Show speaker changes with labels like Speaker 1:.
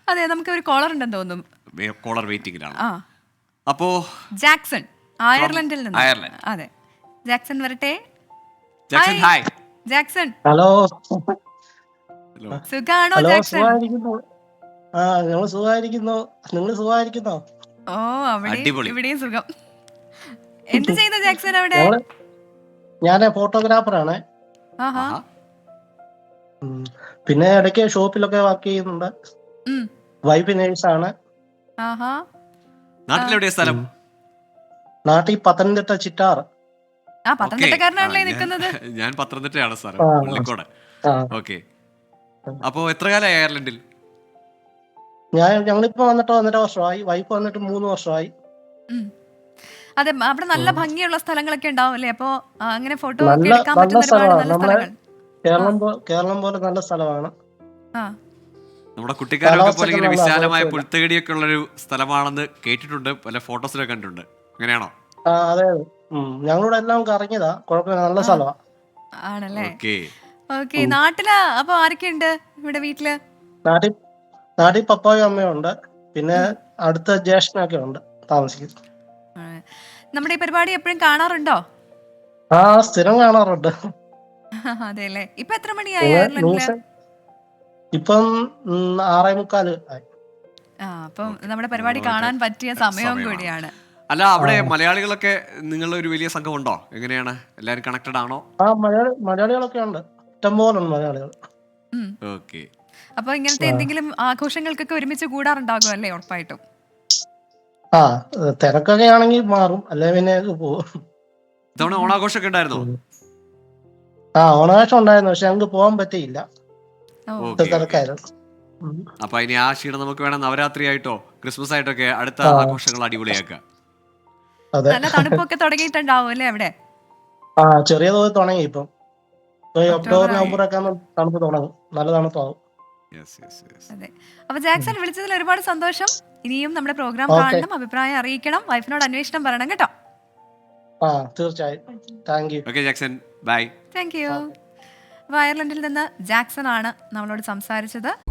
Speaker 1: അതെ, നമുക്ക് ഒരു കോളർ ഉണ്ടെന്ന് തോന്നുന്നു.
Speaker 2: കോളർ വെയിറ്റിംഗിലാണ്.
Speaker 1: ആ,
Speaker 2: അപ്പോ
Speaker 1: ജാക്സൺ അയർലൻഡിൽ നിന്ന്.
Speaker 2: അയർലൻഡ്.
Speaker 1: അതെ, ജാക്സൺ വരട്ടെ.
Speaker 2: Jackson hi.
Speaker 1: Jackson
Speaker 3: hello
Speaker 2: hello.
Speaker 1: സുഖാണോ
Speaker 3: ഹലോ,
Speaker 1: ജാക്സൺ?
Speaker 3: സുഖമായിരിക്കുന്നു. ആ, ഞങ്ങൾ സുഖമായിരിക്കുന്നു. നിങ്ങൾ സുഖമായിരിക്കുന്നോ?
Speaker 1: ഓ, അവിടെ
Speaker 2: അടിപൊളി.
Speaker 1: ഇവിടെയും സുഖം. എന്ത് ചെയ്യുന്ന ജാക്സൺ അവിടെ?
Speaker 3: ഞാൻ ഫോട്ടോഗ്രാഫറാണ്.
Speaker 1: ആഹാ.
Speaker 2: ആഹാ.
Speaker 3: പിന്നെ ഇടയ്ക്ക് ഷോപ്പിലൊക്കെ വർക്ക് ചെയ്യുന്നുണ്ട്.
Speaker 1: ഉം.
Speaker 3: വൈഫ് നേഴ്സാണ്.
Speaker 1: ആഹാ.
Speaker 2: നാട്ടിലെവിടെയാ സ്ഥലം?
Speaker 3: നാട്ടിൽ പത്തനംതിട്ട ചിറ്റാർ.
Speaker 1: ആ, പത്തനംതിട്ടക്കാരനാണല്ലേ നിൽക്കുന്നത്.
Speaker 2: ഞാൻ പത്തനംതിട്ടയാണ് സ്ഥലം,
Speaker 3: ആ.
Speaker 2: പള്ളിക്കോട്.
Speaker 3: ആ,
Speaker 2: ഓക്കെ. അപ്പോ എത്ര കാലമായി അയർലൻഡിൽ?
Speaker 3: ഞങ്ങളിപ്പോ വന്നിട്ട് 1.5 വർഷമായി. വൈഫ് വന്നിട്ട് 3 വർഷമായി.
Speaker 1: ഉം. അതെ, അവിടെ നല്ല ഭംഗിയുള്ള സ്ഥലങ്ങളൊക്കെ ഉണ്ടാവും അല്ലേ? അപ്പൊ അങ്ങനെ ഫോട്ടോ ഒക്കെ
Speaker 3: നല്ല
Speaker 1: എടുക്കാൻ
Speaker 3: നല്ല
Speaker 1: പറ്റുന്ന ഒരുപാട്
Speaker 3: സ്ഥലമാണ്.
Speaker 1: നല്ല
Speaker 3: നമ്മളെ
Speaker 1: സ്ഥലങ്ങൾ.
Speaker 3: കേരളം പോലെ നല്ല സ്ഥലമാണ്.
Speaker 1: ആ,
Speaker 2: നമ്മുടെ കുട്ടിക്കാരൊക്കെ പോലെ ഇങ്ങനെ
Speaker 3: കാലാവസ്ഥയൊക്കെ
Speaker 2: വിശാലമായ
Speaker 3: നല്ല
Speaker 2: പുൽത്തകടിയൊക്കെ ഉള്ളൊരു സ്ഥലമാണെന്ന് കേട്ടിട്ടുണ്ട്, പല ഫോട്ടോസിലൊക്കെ കണ്ടിട്ടുണ്ട്. അങ്ങനെയാണോ?
Speaker 3: ആ, അതെ അതെ. ഞങ്ങളിവിടെ എല്ലാം കറങ്ങിയതാ. കുഴപ്പമില്ല, നല്ല സ്ഥലമാ.
Speaker 1: ആണല്ലേ?
Speaker 2: ഓക്കെ.
Speaker 1: ഓക്കെ. നാട്ടില് അപ്പൊ ആരൊക്കെയുണ്ട് ഇവിടെ വീട്ടില്?
Speaker 3: നാട്ടിൽ പപ്പായും അമ്മയും ഉണ്ട്. പിന്നെ അടുത്ത ജ്യേഷ്ഠനൊക്കെ ഉണ്ട് താമസിക്കുന്നത്.
Speaker 1: ആ, നമ്മുടെ ഈ പരിപാടി എപ്പോഴും കാണാറുണ്ടോ?
Speaker 3: ആ, സ്ഥിരം കാണാറുണ്ട്.
Speaker 1: അതെ അല്ലേ. ഇപ്പൊ എത്ര മണിയായി
Speaker 3: നിങ്ങൾ
Speaker 1: അയർലൻഡില്?
Speaker 3: ന്യൂസ് ഇപ്പം 6:45 ആയി.
Speaker 1: ആ, അപ്പം നമ്മുടെ പരിപാടി കാണാൻ പറ്റിയ സമയവും
Speaker 2: സമയമാണ്.
Speaker 1: കൂടിയാണ്.
Speaker 2: അല്ല, അവിടെ മലയാളികളൊക്കെ നിങ്ങളുടെ ഒരു വലിയ സംഘം ഉണ്ടോ? എങ്ങനെയാണ്, എല്ലാവരും കണക്റ്റഡ് ആണോ?
Speaker 3: ആ, മലയാളികളൊക്കെ ഉണ്ട്. ഇഷ്ടംപോലെ ഉണ്ട് മലയാളികൾ.
Speaker 1: ഉം.
Speaker 2: ഓക്കെ.
Speaker 1: അപ്പൊ ഇങ്ങനത്തെ എന്തെങ്കിലും ആഘോഷങ്ങൾക്കൊക്കെ ഒരുമിച്ച് കൂടാറുണ്ടാകും അല്ലേ? ഉറപ്പായിട്ടും.
Speaker 3: ആ, തിരക്കൊക്കെ ആണെങ്കിൽ മാറും, അല്ലെ പിന്നെ പോകും.
Speaker 2: ഇതവണ ഓണാഘോഷമൊക്കെ ഉണ്ടായിരുന്നോ?
Speaker 3: ആ, ഓണാഘോഷം ഉണ്ടായിരുന്നു. പക്ഷെ ഞങ്ങൾക്ക് പോകാൻ പറ്റിയില്ല.
Speaker 1: ഓ,
Speaker 2: ഓക്കെ.
Speaker 3: തിരക്കായിരുന്നു.
Speaker 2: അപ്പൊ ഇനി ആ ക്ഷീണം നമുക്ക് വേണം നവരാത്രി ആയിട്ടോ ക്രിസ്മസ് ആയിട്ടൊക്കെ അടുത്ത ആഘോഷങ്ങൾ അടിപൊളിയാക്കാം.
Speaker 3: അതെ.
Speaker 1: നല്ല തണുപ്പൊക്കെ തുടങ്ങിയിട്ടുണ്ടാവും അല്ലേ അവിടെ?
Speaker 3: ആ, ചെറിയ തോതിൽ തുടങ്ങി. ഇപ്പൊ ഒക്ടോബർ
Speaker 1: ഒക്ടോബർ ആയി.
Speaker 3: നവംബർ ഒക്കെ തണുപ്പ് തുടങ്ങും. നല്ല തണുപ്പാവും.
Speaker 1: അതെ. അപ്പൊ ജാക്സൺ, വിളിച്ചതിൽ ഒരുപാട് സന്തോഷം. ഇനിയും നമ്മുടെ പ്രോഗ്രാം
Speaker 3: ഓക്കെ.
Speaker 1: കാണണം, അഭിപ്രായം അറിയിക്കണം, വൈഫിനോട് അന്വേഷണം പറയണം കേട്ടോ.
Speaker 3: ആ, തീർച്ചയായും. Thank you.
Speaker 2: Okay Jackson, bye.
Speaker 1: Thank you. അപ്പൊ അയർലൻഡിൽ നിന്ന് ജാക്സൺ ആണ് നമ്മളോട് സംസാരിച്ചത്.